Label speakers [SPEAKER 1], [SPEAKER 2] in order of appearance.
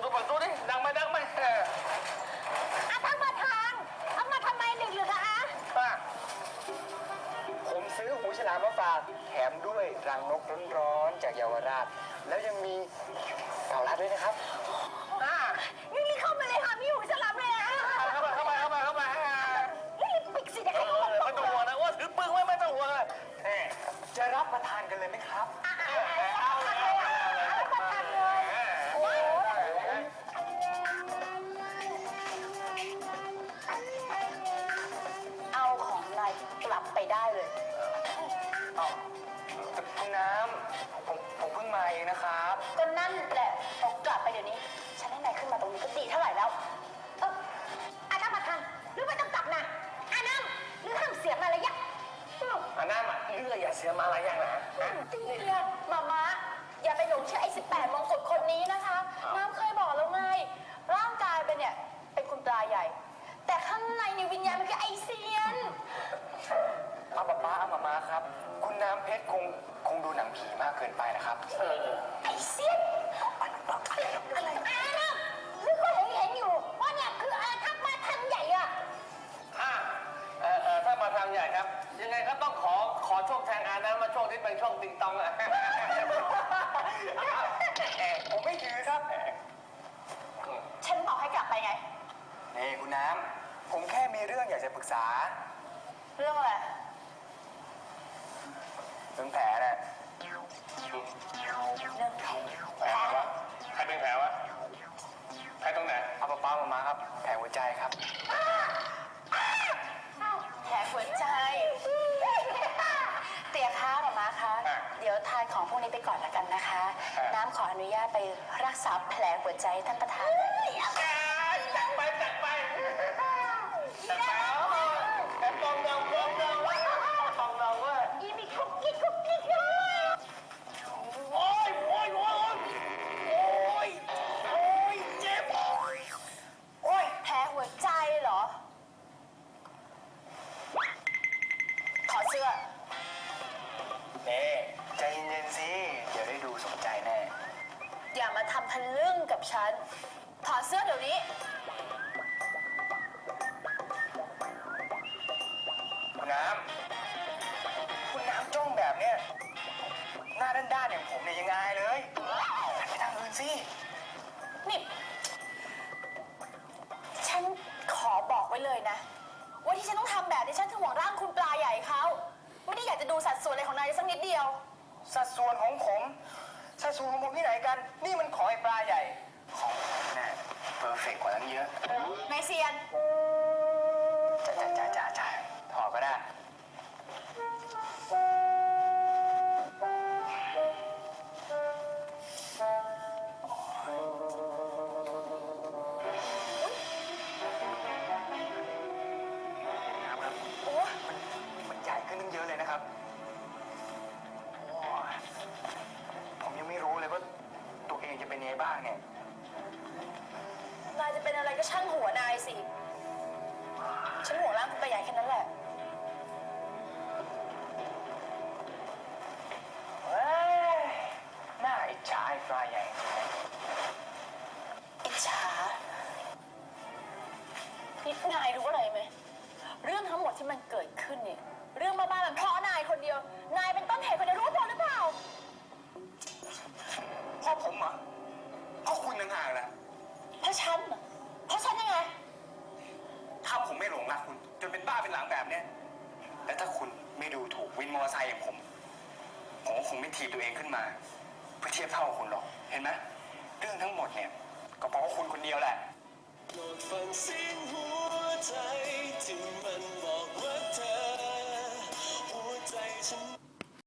[SPEAKER 1] ดูเปิดดูดิดังไหมดังไหม
[SPEAKER 2] ท่านประธานเอามาทำไมดึกหรือคะ
[SPEAKER 1] ป้าผมซื้อหูฉลามมาฝากแถมด้วยรังนกร้อนๆจากเยาวราชแล้วยังมีเต่าลัดด้วยนะครับ
[SPEAKER 2] นี่รีบเข้ามาเลยค่ะมีหูฉลามเลยนะ
[SPEAKER 1] เข้ามา
[SPEAKER 2] รีบปิดสิเดี๋ยวให้เขา
[SPEAKER 1] ไม่ต้องห่วงนะว่าถือปืนไว้ไม่ต้องห่วงเลยจะรับประทานกันเลยไหมครับ
[SPEAKER 2] เอาประทานเลยเอาของนายกลับไปได้เลย
[SPEAKER 1] คุณน้ำผมเพิ่งมาเองนะครับ
[SPEAKER 2] ก็นั่นแหละต้องกลับไปเดี๋ยวนี้ฉันให้นายขึ้นมาตรงนี้ก็ดีเท่าไหร่แล้วน้ำมาทันหรือไม่ต้องกลับนะน้ำหรือห้ามเสียงอะไรอย่าง
[SPEAKER 1] น้ำเลืออย่าเสียมาอะไรอย่างนะ
[SPEAKER 2] จริงเนี่ยมาอย่าไปหลงเชื่อไอ้18 มงกุฎคนนี้นะคะน้ำเคยบอกแล้วไงร่างกายเป็นเนี่ยเป็นคุณปลาใหญ่แต่ข้างในวิญญาณมันคือไอเซียน
[SPEAKER 1] เอาป้าเอามาครับคุณน้ำเพชรคงดูหนังผีมากเกินไปนะครับ
[SPEAKER 2] ไอเซียนอะไรนะหรือก็เห็นอยู่ว่าเนี่ยคือทัพมาทันใหญ่อะ
[SPEAKER 1] ถ้ามาทางใหญ่ครับยังไงก็ต้องขอช่วงแทงอานะมาช่วงที่เป็นช่วงติงตองอะผมไม่ถือครับ
[SPEAKER 2] ฉันบอกให้กลับไปไง
[SPEAKER 1] นี่คุณน้ำผมแค่มีเรื่องอยากจะปรึกษา
[SPEAKER 2] เรื่องอะไร
[SPEAKER 1] เรื่องแผลน่ะ
[SPEAKER 2] เรื่องแผล
[SPEAKER 1] วะใครเป็นแผลวะแผลตรงไหนเอาป้ามาครับแผลหัวใจครับ
[SPEAKER 2] แผลหัวใจเตี๋ยคะมาคะเดี๋ยวทานของพวกนี้ไปก่อนละกันนะคะน้ำขออนุญาตไปรักษาแผลหัวใจท่านประธาน
[SPEAKER 1] จัดไปแต่ฟองเราว่า
[SPEAKER 2] อีมีคุกกี้
[SPEAKER 1] โอ้ยเจ็บ
[SPEAKER 2] โอ้ยแผลหัวใจเหรอถอดเสื้อ
[SPEAKER 1] ใจเย็นๆสิเดี๋ยวได้ดูสนใจแน่
[SPEAKER 2] อย่ามาทำทะลึ่งกับฉันถอดเสื้อเดี๋ยวนี้
[SPEAKER 1] คุณน้ำจ้องแบบเนี้ยหน้าด้านๆอย่างผมเนี่ยยังไงเลยหันไปทางอื่นสิ
[SPEAKER 2] นี่ฉันขอบอกไว้เลยนะว่าที่ฉันต้องทำแบบนี้ฉันคือห่วงร่างคุณปลาใหญ่เขาไม่ได้อยากจะดูสัดส่วนอะไรของนายสักนิดเดียว
[SPEAKER 1] สัดส่วนของผมที่ไหนกันนี่มันของไอ้ปลาใหญ่ของผมเนี่ยเพอร์เฟกต์กว่านั้นเยอะ
[SPEAKER 2] นายเซียน
[SPEAKER 1] จ่าถอดก็ได้มันใหญ่ขึ้นตั้งเยอะเลยนะครับผมยังไม่รู้เลยว่าตัวเองจะเป็นยังไงบ้างเนี่ย
[SPEAKER 2] นายจะเป็นอะไรก็ช่างหัวนายสิฉันห่วงร่างคุณปลาใหญ่แค่นั้นแหละ
[SPEAKER 1] น่าอิจฉาไอ้ปลาใหญ่
[SPEAKER 2] อิจฉานี่นายรู้อะไรไหมเรื่องทั้งหมดที่มันเกิดขึ้นเนี่ยเรื่องบ้าๆมันเพราะนายคนเดียวนายเป็นต้นเหตุคนเดียวรู้ตัวหรือเปล่า
[SPEAKER 1] เพราะผมเหรอเพราะคุณต่างหากแหละ
[SPEAKER 2] เพราะฉันเหรอเพราะฉันยังไง
[SPEAKER 1] ถ้าผมไม่หลงรักคุณจนเป็นบ้าเป็นหลังแบบเนี้ยและถ้าคุณไม่ดูถูกวินมอเตอร์ไซค์อย่างผมก็คงไม่ถีบตัวเองขึ้นมาเพื่อเทียบเท่ากับคุณหรอกเห็นไหมเรื่องทั้งหมดเนี่ยก็เพราะว่าคุณคนเดียวแหละโปรดฟังเสียงหัวใจที่มันบอกว่าเธอหัวใจฉัน